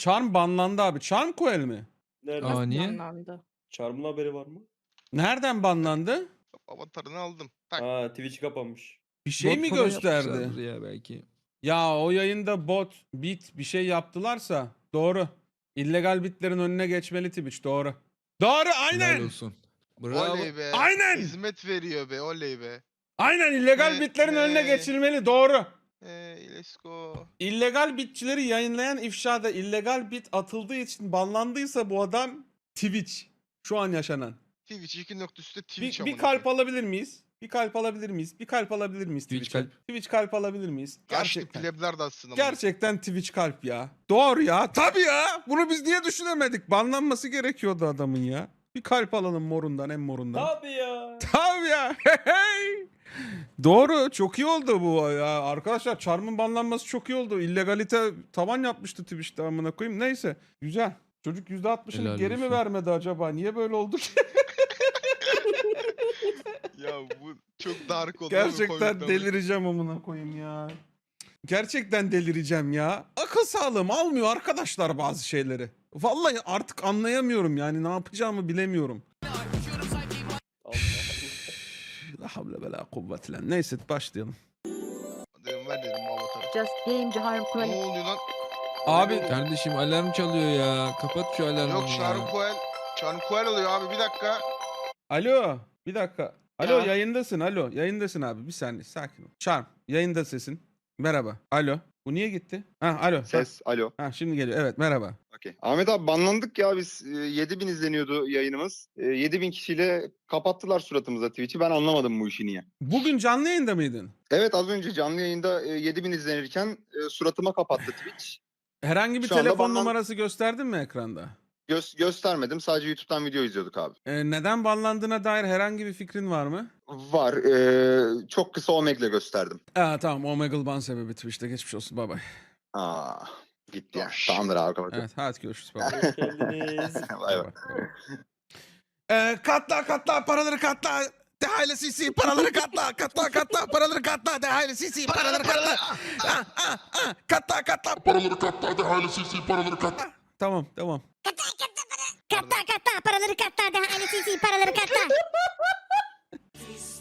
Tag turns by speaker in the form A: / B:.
A: Charm banlandı abi. Charm Coel mi?
B: Nerede?
C: Aa, niye?
D: Banlandı.
B: Charm'ın haberi var mı?
A: Nereden banlandı?
E: Avatarını aldım. Tak.
B: Ha, Twitch kapanmış.
A: Bir şey
C: Bot
A: mi
C: falan
A: gösterdi?
C: yapmışlardır ya belki.
A: Ya o yayında bot, bit bir şey yaptılarsa doğru. İllegal bitlerin önüne geçmeli Twitch, doğru. Doğru,
C: Helal
A: aynen.
C: olsun. Bravo.
E: Oley be.
A: Aynen.
E: Hizmet veriyor be. Oley be.
A: Aynen illegal bitlerin önüne
E: Hey.
A: geçilmeli, doğru.
E: Let's go.
A: İllegal bitçileri yayınlayan ifşada illegal bit atıldığı için banlandıysa bu adam Twitch. Şu an yaşanan.
E: Twitch 2 nokta üstte Twitch
A: Bir kalp alabilir miyiz? Bir kalp alabilir miyiz? Bir kalp alabilir miyiz
C: Twitch
A: Twitch'e?
C: kalp.
A: Twitch kalp alabilir miyiz?
E: Gerçekten.
A: Gerçekten.
E: Plebler de aslında.
A: Gerçekten Twitch kalp ya. Doğru ya. Tabii ya. Bunu biz niye düşünemedik? Banlanması gerekiyordu adamın ya. Bir kalp alalım morundan, en morundan.
B: Tabii ya.
A: Tabii ya. Hey. Doğru. Çok iyi oldu bu ya. Arkadaşlar Charm'ın banlanması çok iyi oldu. İllegalite tavan yapmıştı Twitch'te, amına koyayım. Neyse. Güzel. Çocuk %60'ını
C: Helal
A: geri mi
C: olsun.
A: vermedi acaba? Niye böyle oldu ki?
E: Ya bu çok dark oldu.
A: Gerçekten delireceğim amına koyayım ya. Gerçekten delireceğim ya. Akıl sağlığım almıyor arkadaşlar bazı şeyleri. Vallahi artık anlayamıyorum yani, ne yapacağımı bilemiyorum.
B: Allah
A: La havle ve la kuvvet illa. Neyse başlayalım.
E: Dedim ver dedim bu avatarı.
D: Just game Harm
E: Ne
D: Coel.
E: oluyor lan?
A: Abi
C: Kardeşim alarm çalıyor ya. Kapat şu alarmı
E: Yok
C: ya.
E: Charm Coel oluyor abi bir dakika.
A: alo bir dakika. Alo
E: Ya.
A: yayındasın, alo yayındasın abi, bir saniye sakin ol. Charm yayında sesin. Merhaba. Alo. Bu niye gitti? Ha alo.
F: Ses, alo.
A: Ha şimdi geliyor. Evet merhaba.
F: Okey. Ahmet abi banlandık ya biz. 7000 izleniyordu yayınımız. 7000 kişiyle kapattılar suratımıza Twitch'i. Ben anlamadım bu işi niye.
A: Bugün canlı yayında mıydın?
F: Evet, az önce canlı yayında 7000 izlenirken suratıma kapattı Twitch.
A: Herhangi bir
F: Şu anda
A: telefon
F: banlan-
A: numarası gösterdin mi ekranda?
F: Göstermedim. Sadece YouTube'dan video izliyorduk abi.
A: Neden banlandığına dair herhangi bir fikrin var mı?
F: Var. Çok kısa Omeg'le gösterdim.
A: Tamam, Omegle ban sebebi Twitch'te, geçmiş olsun, bye bye.
F: Aa, gitti ya.
E: Taş.
F: Tamamdır abi, kapatıyorum.
A: Evet hadi görüşürüz, bye bye.
B: Hoş geldiniz.
F: Bay bay.
A: Katla paraları katla. Dehayla CC paraları katla. Katla paraları katla. Dehayla CC paraları katla. Katla paraları katla. Dehayla CC paraları katla. Tamam.
G: Katta paraları katta daha ailesi paraları katta.